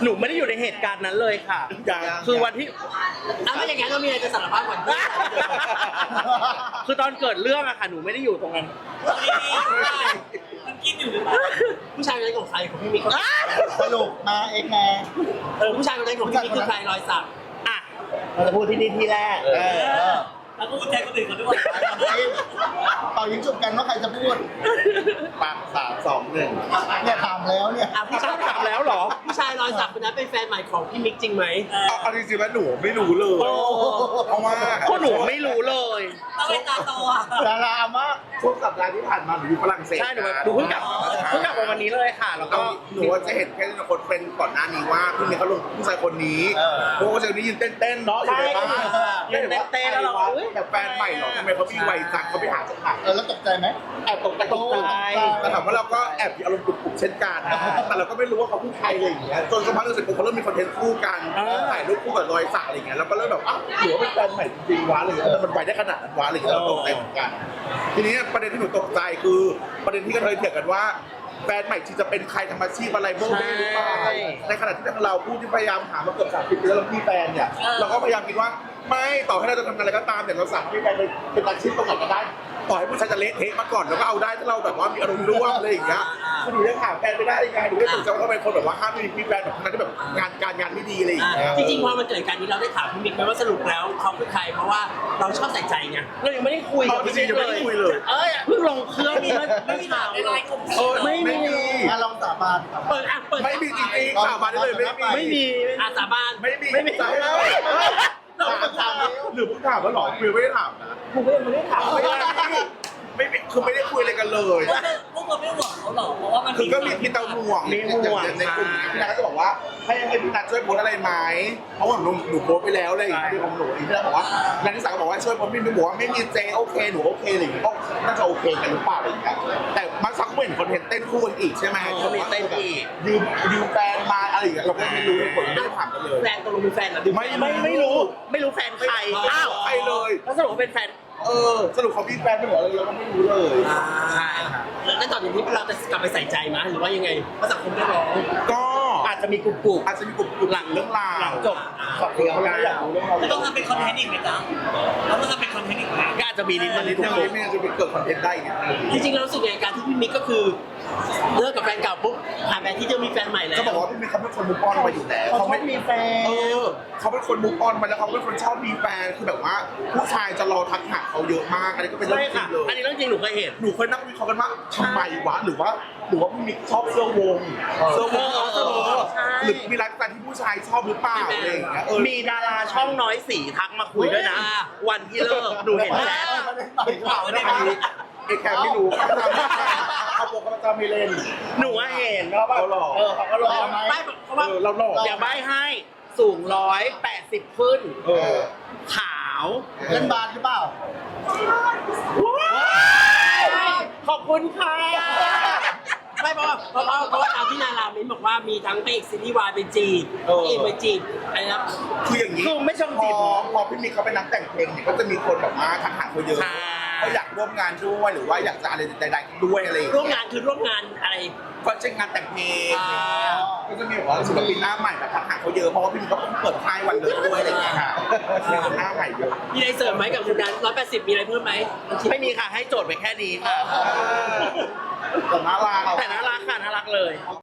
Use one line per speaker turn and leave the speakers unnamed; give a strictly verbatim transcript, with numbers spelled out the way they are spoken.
หนูไม่ได้อยู่ในเหตุการณ์นั้นเลยค่ะ คือวันที่
อ้าวไม่อย่างนั้นเรามีอะไรจะสารภาพก่อน
คือตอนเกิดเรื่องอะค่ะหนูไม่ได้อยู่ตรงนั้น
มันกินอยู่หรือเปล่าผู้ชายคนนั้นของใครของพี่มิก
สรุปมาเองแน่
เออผู้ชายคนนั้นของพี่มิกคือใครรอยสัก
อ่ะเราจะพูดที่นี่ที่แรก
เออ
แล้วก็พูดแทนคนอื่นเขาด้วย
เป่ายิงจุบกันว่าใครจะพูดปากสามสองหนึ่งเนี่ยถามแล้วเนี่ย
อ่ะผู้ชาย
ถามแล้วเหรอ
ผู้ชายรอยสักคนนั้นเป็นแฟนใหม่ของพี่มิกจริงไหม
เอาเอาจริงๆแล้วหนูไม่รู้เลย
โอ้
เพราะว่า
พวกหนูไม่รู้เลย
ต้องเป็นตาโตอ่ะ
ดารามาก
ช่วงสัปดาห์ที่ผ่านมาหนูอยู่ฝรั่งเศส
ใช่หนูหนูเพิ่งกลับเพิ่งกลับมาวันนี้เลยค่ะ แล้ว
ก็
ก็
หนูว่าจะเห็นแค่ในคนเป็นก่อนหน้านี้ว่าพี่มีเขาลงผู้ชายคนนี้เพราะว่าผู้ชายคนนี้ยืนเต้นๆเนาะอยู่ในบ้าน
ยืนเต้นๆแล้วเราเอ้ย
แต่แฟนใหม่เหรอทำไมเขามีวัยจังเขาไปหาจากไหน
เออแล้วตกใจไหม
แอบตกใจตกใจแต่ถามว่าเราก็แอบมีอารมณ์กลุ่มๆเช่นกันแต่เราก็ไม่รู้ว่าเขาคือใครอะไรอย่างเงี้ยจนสักพักหนึงเสร็จปุ๊บเขาเริ่มมีคอนเทนต์คู่กันถ่ายรูปคู่กับรอยสักอะไรอย่างเงี้ยเราก็เริ่มแบบอ้าวหรือว่าเป็นแฟนใหม่จริงๆวะอะไรอย่างเงี้ยแต่มันไปได้ขนาดนั้นวะอะไรอย่างเงี้ยเราตกใจเหมือนกันทีนี้ประเด็นที่หนูตกใจคือประเด็นที่กระเทยเถียงกันว่าแฟนใหม่ที่จะเป็นใครทำอาชีพอะไรโบ้เบ้หรือเปล่าในขณะที่เราพูดที่พยายามหามาเกือบสามสิบปีแล้วเรามีแฟนเนี่ยเราก็พยายามคิดว่าไม่ต่อให้เราจะทำอะไรก็ตามแต่เราสามารถมีแฟนเป็นอาชีพตรงไหนก็ได้ต่อให้ผู้ชายจะเละเทะมาก่อนแล้วก็เอาได้ถ้าเราแบบว่ามีอารมณ์ร่วมอะไรอย่างเงี้ยคือหนูยังหาแฟนไม่ได้ยังไงหนูไม่สนใจว่าเขาเป็นคนแบบว่าห้ามมีมีแฟนแบบนั้นที่แบบงานการงานไม่ดีอะไรอย่างเงี้ย
จริงๆพอมันเกิดการนี้เราได้ถามพี่มิกไหมว่าสรุปแล้วเขาคือใครเพราะว่าเราชอบใส่ใจไง
เรายังไม่ได้คุยกับพี่มิก
ยังไม่ได้คุยเลย
เอ้ยเพิ่งลงเครื่องมีไม่มีข่าว
ในไลน์กลุ่ม
เออ
ไม่
ไม่
มี
มี
มาลองสาบานครับ
เปิดอ่ะเปิด
ไม่มีจริงๆข่าวมาได้เลยไม่มี
ไม่มี
อาสาบาน
ไม่มี
ไม่มี
ถามถามหรือผมถามว่าหรอคือไม่ได้ถามนะ
ผมก็ยังไม่ได้ถาม
ไม่ได้ไม่มีคือไม่ได้คุยอะไรกันเลย
พวกเราไม่หวังเขาหรอกเพราะว่ามัน
คือก็มีพี่เตาห่วงอย่างในกลุ่มนี้พี่นัทก็จะบอกว่าให้ให้พี่นัทช่วยโพสอะไรไหมเพราะว่าหนูหนูโพสไปแล้วอะไรอย่างเงี้ยของหนูพี่นัทบอกว่านัทนิสาก็บอกว่าช่วยโพสพี่หนูบอกว่าไม่มีเจโอเคหนูโอเคอะไรอย่างเงี้ยก็น่าจะโอเคกันหรือเปล่าอะไรอย่างเงี้ยแต่มาสักเหมือนคอนเทนต์เต้นคู่กันอีกใช่ไหมยืมยืมแฟนมาอะไรอย่างเงี้ยเราก็ไม่รู้ผลไม่ได้ถามกันเลย
แฟนตกลงมีแฟนเหรอ
ไม่
ไม่ไม่รู้ไม่รู้แฟนใครอ้าว
ใครเลย
แล้วสรุปว่าเป็นแฟน
เออสรุปเขามีแฟนไม่หรออะไรเราก็ไม่รู้เลย
ใช่ค่ะ
แล้วตอนนี้เราจะกลับไปใส่ใจมั้ยหรือว่ายังไงเพราะสังคมไม่ร้อง
ก็
อาจจะมีกลุ่มกลุ่ม
อาจจะมีกลุ่มกลุ่มหลังเรื่องราว
หลังจบขอบคุณ
เขาอยากรู้เรื่องราว
แล้วต้องทำเป็นคอนเทนต์อีกไหมจ๊ะแล้วต้องทำเป็นคอนเทนต์อีกไหม
ก็อาจจะมีนิด
อัน
นึ
นี้
ง
เรื่องนี้ไม่งั้นจะไปเกิดคอนเทนต์ได้ไง
จริงๆเรารู้สึกในการที่พี่มิกก็คือเลิกกับแฟนเก่าปุ๊บผ่านไปที่จะมีแฟนใหม่แล้ว
ก็บอกว่าพี่มีเขาเป็นคนมุกออนมาอยู่แล้ว
เขาไม่มีแฟน
เออเขาเป็นคนมุกออนมาแล้วเขาเป็นคนชอบมีแฟนคือแบบว่าผู้ชายจะรอทักหาเขาเยอะมากอันนี้ก็เป็นเรื่อ
ใช่
งจริ
ค่ะ
งเลย
อันนี้เรื่องจริงหนูเคยเห็น
หนูเคยนั่งวิเคราะห์กันว่าทำไมวะหรือว่าหรือว่าพี่มิกชอบเสื้อวงเสื้อวงเสื้อวง
ใช่
หรือมีไลฟ์สไตล์ที่ผู้ชายชอบหรือเปล่าอะไรอย่างเงี้ยเออ
มีดาราช่องน้อยสีทักมาคุยด้วยนะ วันที่เลิกหนูเห็นแชท
ไม่ข่าวไม่ได้อันนี้ไอ้แคมไม่รู้เขาทำเขาบอกเขาจะไม่เล่น
หนูว่าเห็นเขาแบบ
เขาหลอก
เออเขาก็หลอก
ไม่เพราะว่า
เออเราหลอก
อย่าใบ้ให้สูงร้อยแปดสิบขึ้น
เออ
ขาว
เล่นบาสหรือเปล่า
ขอบคุณค่ะ
ไม่เพราะว่าเพราะว่าเพราะว่าตามที่นารามินบอกว่ามีทั้งพระเอกซีรีส์วายเป็นจีบพระเอกเป็นจีบอะไรนะ
คืออย่างนี้
คือไม่ชอบ
พ
จี
อบ พอพี่มิกเขาเป็นนักแต่งเพลงเนี่ยก็จะมีคนแบบมาทักหาเขาเยอะ
ใช่
เขาอยากร่วมงานด้วยหรือว่าอยากจะอะไรใดๆด้วยอะไรอย่าง
ร่วม
เงี้ย
งานคือร่วมงานอะไร
ก็เช่นงานแต่งเพลง
อ่า
ก็จะมีแบบว่าศิลปินหน้าใหม่แบบทักหาเขาเยอะเพราะว่าพี่มิกเขาเพิ่งเปิดค่ายวันเลยด้วยอะไรอย่างเงี้ยค่ะมีคนหน้าใหม่เยอะ
มีอะไรเสริมไหมกับคุณนั้นร้อยแปดสิบมีอะไรเพิ่มไหม
ไม่มีค่ะให้โจทย์ไปแค่นี้ค่ะ
แต่น่ารัก
แต่น่ารักค่ะน่ารักเลย